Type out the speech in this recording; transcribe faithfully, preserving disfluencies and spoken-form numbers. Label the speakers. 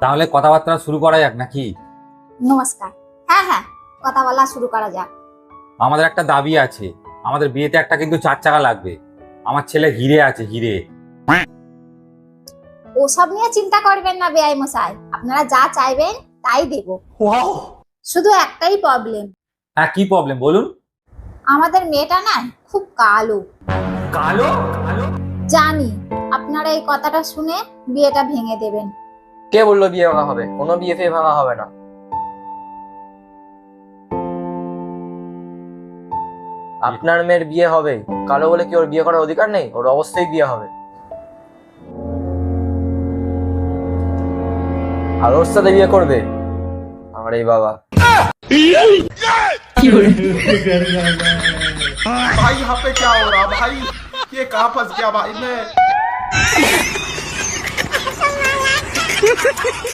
Speaker 1: তাহলে কথাবার্তা শুরু করা যাক নাকি?
Speaker 2: নমস্কার। হ্যাঁ হ্যাঁ, কথা বলা শুরু করা যাক।
Speaker 1: আমাদের একটা দাবি আছে, আমাদের বিয়েতে একটা কিন্তু চার চাকা লাগবে। আমার ছেলে হিরে আছে, হিরে।
Speaker 2: ওসব নিয়ে চিন্তা করবেন না বেআই মশাই, আপনারা যা চাইবেন তাই দেব। শুধু একটাই প্রবলেম।
Speaker 1: হ্যাঁ, কি প্রবলেম বলুন?
Speaker 2: আমাদের মেয়েটা না খুব কালো।
Speaker 1: কালো? কালো?
Speaker 2: জানি আপনারা এই কথাটা শুনে বিয়েটা ভেঙে দেবেন।
Speaker 3: কে বললো বিয়ে ভাঙা হবে? কোনো বিয়ে ফিয়ে ভাঙা হবে না। আপনার মেয়ের বিয়ে হবে, কালো বলে কি ওর বিয়ে করার অধিকার নেই? ওর অবশ্যই বিয়ে হবে। আর ওর সাথে বিয়ে করবে আমার এই বাবা।
Speaker 4: भाई यहाँ पे क्या हो रहा भाई? ये कहाँ फंस गया भाई मैं?